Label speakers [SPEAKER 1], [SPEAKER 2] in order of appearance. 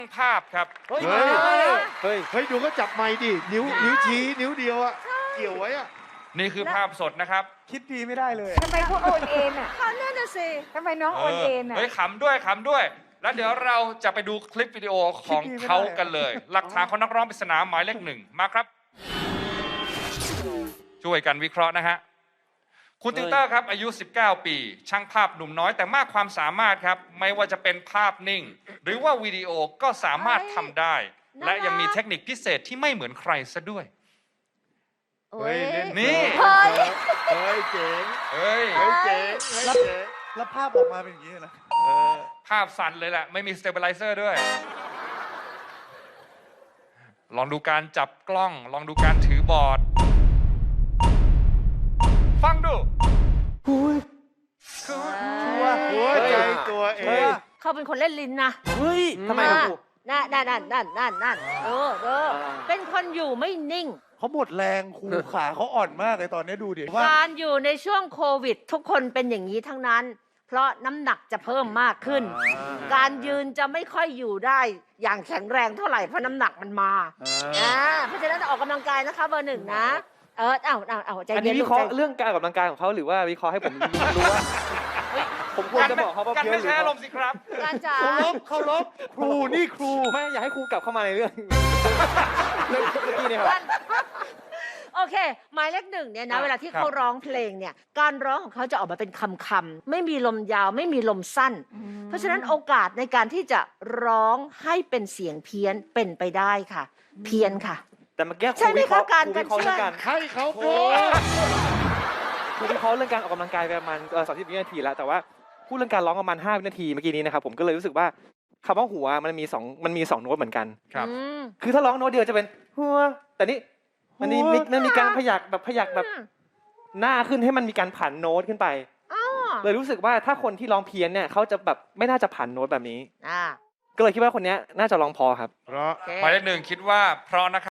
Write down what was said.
[SPEAKER 1] ภาพครับ
[SPEAKER 2] เฮ้ยดูก็จับไม้ดินิ้วชี้นิ้วเดียวอะเกี่ยวไว้อะ
[SPEAKER 1] นี่คือภาพสดนะครับ
[SPEAKER 3] คิดดีไม่ได้เลย
[SPEAKER 4] ทำไมเขาโอนเอ็นอ่ะ
[SPEAKER 5] เขาแน่น่ะสิ
[SPEAKER 4] ทำไมน้องโอนเอ็นอ่ะ
[SPEAKER 1] เฮ้ยขำด้วยขำด้วย แล้วเดี๋ยวเราจะไปดูคลิปวิดีโอของเขากันเลย หลักฐานของนักร้องปริศนาหมายเลข 1มาครับ ช่วยกันวิเคราะห์นะฮะคุณติวเตอร์ครับอายุ 19 ปี ช่างภาพหนุ่มน้อยแต่มากความสามารถครับ ไม่ว่าจะเป็นภาพนิ่ง หรือว่าวิดีโอก็สามารถทำได้ และยังมีเทคนิคพิเศษที่ไม่เหมือนใครซะด้วย
[SPEAKER 2] เฮ้ยเล่น
[SPEAKER 1] นี่
[SPEAKER 2] เฮ้ยเจ๋ง
[SPEAKER 1] เฮ้ย
[SPEAKER 2] เฮ้ยเจ๋ง
[SPEAKER 3] แล้วภาพออกมาเป็นอย่างนี้นะ
[SPEAKER 1] ภาพสั่นเลยแหละ ไม่มีสเตเบลไลเซอร์ด้วย ลองดูการจับกล้อง ลองดูการถือบอร์ด ฟังดู
[SPEAKER 2] หัวใจตัวเอง
[SPEAKER 5] เขาเป็นคนเล่นลิ้นนะ
[SPEAKER 3] เฮ้ยทำไมครับครู
[SPEAKER 5] นั่นเป็นคนอยู่ไม่นิ่ง
[SPEAKER 3] เขาหมดแรงครูขาเขาอ่อนมากเลยตอนนี้ดูดิว่า
[SPEAKER 5] การอยู่ในช่วงโควิด ทุกคนเป็นอย่างนี้ทั้งนั้น เพราะน้ำหนักจะเพิ่มมากขึ้น การยืนจะไม่ค่อยอยู่ได้อย่างแข็งแรงเท่าไหร่เพราะน้ำหนักมันมาเพราะฉะนั้นออกกำลังกายนะคะเบอร์ 1นะใจ
[SPEAKER 6] อัน
[SPEAKER 5] เย็
[SPEAKER 6] นี้
[SPEAKER 5] น
[SPEAKER 6] วิเคราะห์เรื่องการออกกำลังกายของเขาหรือว่าวิเคราะห์ให้ผมรู้ว่าผมควรจะบอกเขาว่า
[SPEAKER 1] กัน
[SPEAKER 6] เพี้ย
[SPEAKER 1] ไม่
[SPEAKER 6] นหรือ
[SPEAKER 1] ใช่
[SPEAKER 6] เป
[SPEAKER 1] อาร
[SPEAKER 6] ล่าม
[SPEAKER 1] ณ์สิครับ
[SPEAKER 5] การจ๋า
[SPEAKER 3] เขาลบครูนี่ครู
[SPEAKER 6] ไม่อยากให้ครูกลับเข้ามาในเรื่องเมื่อกี้เนี่ยครับ
[SPEAKER 5] โอเค หมายเลข 1เนี่ยนะเวลาที่เขาร้องเพลงเนี่ยการร้องของเขาจะออกมาเป็นคำๆไม่มีลมยาวไม่มีลมสั้น เพราะฉะนั้นโอกาสในการที่จะร้องให้เป็นเสียงเพี้ยนเป็นไปได้ค่ะ เพี้ยนค่ะ
[SPEAKER 6] แต่เมื่อกี้ค
[SPEAKER 5] ใช่
[SPEAKER 6] รู
[SPEAKER 5] ไหม
[SPEAKER 6] วิเคราะห์
[SPEAKER 5] คะการ
[SPEAKER 6] ครูวิเคราะห์เรื่อง
[SPEAKER 5] กั
[SPEAKER 6] กาน ร
[SPEAKER 2] ให้เขาโกง
[SPEAKER 6] ครูวิเคราะห์เรื่องการออกกำลังกายไปประมาณ30 วินาทีแล้วแต่ว่าพูดเรื่องการร้องประมาณ5 วินาทีเมื่อกี้นี้นะครับผมก็เลยรู้สึกว่าคำว่าหัวมันมี2โน้ตเหมือนกัน
[SPEAKER 1] ครับ
[SPEAKER 6] คือถ้าร้องโน้ตเดียวจะเป็นหัวแต่นี่มันมีการพยักแบบหน้าขึ้นให้มันมีการผันโน้ตขึ้นไปเลยรู้สึกว่าถ้าคนที่ร้องเพี้ยนเนี่ยเขาจะแบบไม่น่าจะผันโน้ตแบบนี้ก็เลยคิดว่าคนนี้น่าจะร้องพอครับ
[SPEAKER 2] เพราะ
[SPEAKER 1] หมายเลข 1คิดว่าเพราะนะครับ